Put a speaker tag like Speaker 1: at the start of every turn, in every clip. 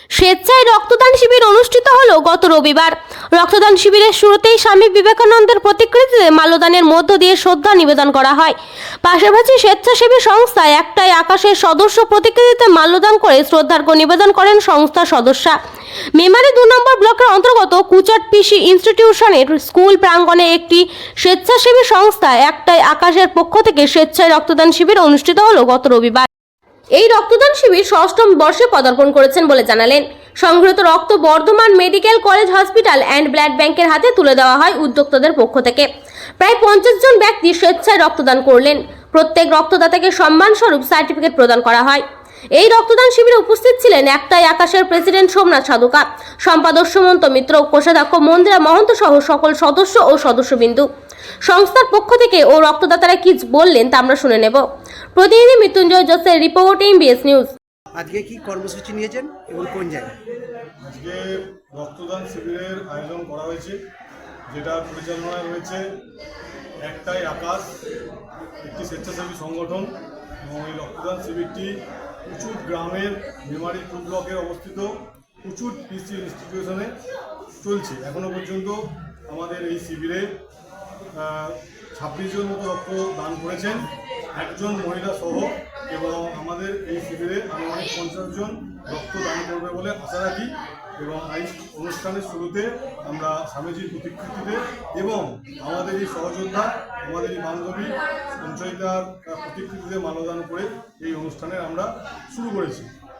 Speaker 1: স্বেচ্ছায় রক্তদান শিবির অনুষ্ঠিত হলো গত রবিবার। রক্তদান শিবিরের শুরুতেই স্বামী বিবেকানন্দের প্রতিকৃতিতে মাল্যদানের মধ্য দিয়ে শ্রদ্ধা নিবেদন করা হয়। পাশাপাশি স্বেচ্ছাসেবী সংস্থা একটাই আকাশের সদস্য প্রতিকৃতিতে মাল্যদান করে শ্রদ্ধার্ঘ্য নিবেদন করেন সংস্থার সদস্যা। মেমারি 2 নম্বর ব্লকের অন্তর্গত কুচাট পিসি ইনস্টিটিউশনের স্কুল প্রাঙ্গণে একটি স্বেচ্ছাসেবী সংস্থা একটাই আকাশের পক্ষ থেকে স্বেচ্ছায় রক্তদান শিবির অনুষ্ঠিত হলো গত রবিবার। এই রক্তদান শিবির 6ম বর্ষে পদার্পণ করেছেন বলে জানালেন। সংগৃহীত রক্ত Bardhaman medical college hospital and blood ব্যাংকের হাতে তুলে দেওয়া হয় উদ্যোক্তাদের পক্ষ থেকে। প্রায় 50 জন ব্যক্তি স্বেচ্ছায় রক্তদান করলেন। প্রত্যেক রক্তদাতাকে সম্মানস্বরূপ সার্টিফিকেট প্রদান করা হয়। এই রক্তদান শিবিরে উপস্থিত ছিলেন একটাই আকাশের প্রেসিডেন্ট সোমনাথ সাধুকা, সম্পাদক সুমন্ত মিত্র, কোষাধ্যক্ষ মন্দিরা মহন্ত সহ সকল সদস্য ও সদস্যবিন্দু। সংস্থার পক্ষ থেকে ও রক্তদাতারা কি বললেন তা আমরা শুনে নেব। প্রতিনিধি মৃত্যুঞ্জয় জোসের রিপোর্ট, এমবিএস নিউজ।
Speaker 2: আজকে কি কর্মসূচি নিয়েছেন এবং কোন জায়গায়?
Speaker 3: আজকে রক্তদান শিবিরের আয়োজন করা হয়েছে, যেটা পরিচালনায় রয়েছে একটাই আকাশ, একটি স্বেচ্ছাসেবী সংগঠন। এবং এই রক্তদান শিবিরটি কুচুট গ্রামের মেমারি 2 ব্লকে অবস্থিত কুচুট পিসি ইনস্টিটিউশনে চলছে। এখনও পর্যন্ত আমাদের এই শিবিরে 26 জন মতো রক্ত দান করেছেন, একজন মহিলা সহ। এবং আমাদের এই শিবিরে আনুমানিক 50 জন রক্ত দান করবে বলে আশা রাখি। এবং এই অনুষ্ঠানের শুরুতে আমরা স্বামীজির প্রতিকৃতিতে এবং আমাদের এই সহযোদ্ধা, আমাদের এই বান্ধবী সঞ্চয়িতার প্রতিকৃতিতে মাল্যদান করে এই অনুষ্ঠানের আমরা শুরু করেছি।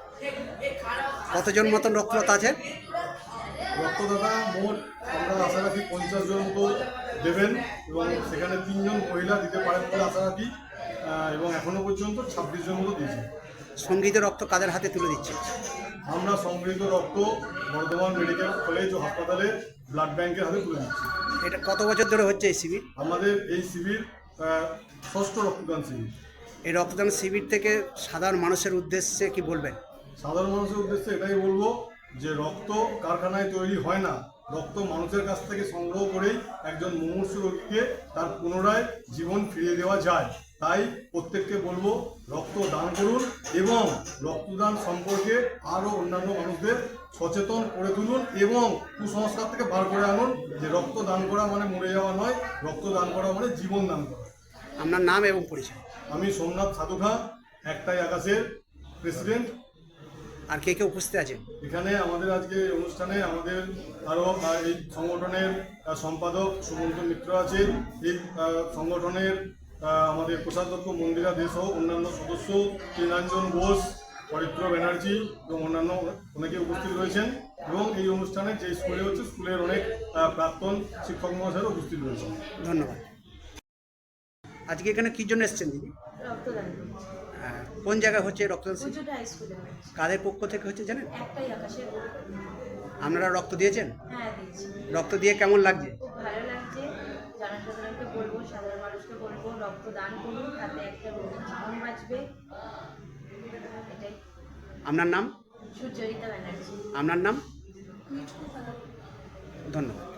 Speaker 2: কতজন মতন রক্তদাতা আছে?
Speaker 3: রক্তদাতা মোট আমরা আশা রাখি 50 জন তো দেবেন, এবং সেখানে 3 জন মহিলা দিতে পারেন বলে আশা রাখি। এবং এখনও পর্যন্ত 26 জন মতো দিয়েছি।
Speaker 2: সংগৃহীত রক্ত কাদের হাতে তুলে দিচ্ছে?
Speaker 3: আমরা সংগৃহীত রক্ত বর্ধমান মেডিকেল কলেজ ও হাসপাতালে ব্লাড ব্যাংকের হাতে তুলে দিচ্ছি।
Speaker 2: এটা কত বছর ধরে হচ্ছে এই শিবির?
Speaker 3: আমাদের এই শিবির 6ষ্ঠ রক্তদান শিবির।
Speaker 2: এই রক্তদান শিবির থেকে সাধারণ মানুষের উদ্দেশ্যে কি বলবেন?
Speaker 3: সাধারণ মানুষের উদ্দেশ্যে এটাই বলবো যে রক্ত কারখানায় তৈরি হয় না, রক্ত মানুষের কাছ থেকে সংগ্রহ করেই একজন মুমূর্ষু রোগীকে তার পুনরায় জীবন ফিরিয়ে দেওয়া যায়। তাই প্রত্যেককে বলবো রক্ত দান করুন এবং রক্তদান সম্পর্কে আরও অন্যান্য মানুষদের সচেতন করে তুলুন এবং কুসংস্কার থেকে বার করে আনুন যে রক্ত দান করা মানে মরে যাওয়া নয়, রক্ত দান করা মানে জীবন দান করা।
Speaker 2: আপনার নাম এবং পরিচয়?
Speaker 3: আমি সোমনাথ সাধুকা, একটাই আকাশের প্রেসিডেন্ট।
Speaker 2: আর কে কে উপস্থিত আছেন
Speaker 3: এখানে আমাদের আজকে অনুষ্ঠানে? আমাদের আরও এই সংগঠনের সম্পাদক সুমন্ত মিত্র আছে, এই সংগঠনের আমাদের কোষাধ্যক্ষ মন্দিরা দে সহ অন্যান্য সদস্য ত্রিনাঞ্জন ঘোষ, পবিত্র ব্যানার্জি এবং অন্যান্য অনেকে উপস্থিত রয়েছেন। এবং এই অনুষ্ঠানে যে স্কুলে হচ্ছে স্কুলের অনেক প্রাক্তন শিক্ষক মহাশয়রা উপস্থিত রয়েছেন।
Speaker 2: ধন্যবাদ। আজকে এখানে কি জন্য এসেছেন দিদি?
Speaker 4: রক্তদান
Speaker 2: কোন জায়গায় হচ্ছে রক্তদান শিবির?
Speaker 4: কুচুট হাই স্কুলে
Speaker 2: কাদের পক্ষ থেকে হচ্ছে জানেন?
Speaker 4: একটাই আকাশের।
Speaker 2: আপনারা রক্ত দিয়েছেন?
Speaker 4: হ্যাঁ, দিয়েছি।
Speaker 2: রক্ত দিয়ে কেমন লাগছে?
Speaker 4: খুব ভালো লাগছে। জনসাধারণকে বলবো, সাধারণ মানুষকে বলবো রক্তদান করুন, তাতে একটা রোগীর জীবন বাঁচবে। এটাই।
Speaker 2: আপনার নাম?
Speaker 4: সুচরিতা ব্যানার্জি।
Speaker 2: আপনার নাম? ধন্যবাদ।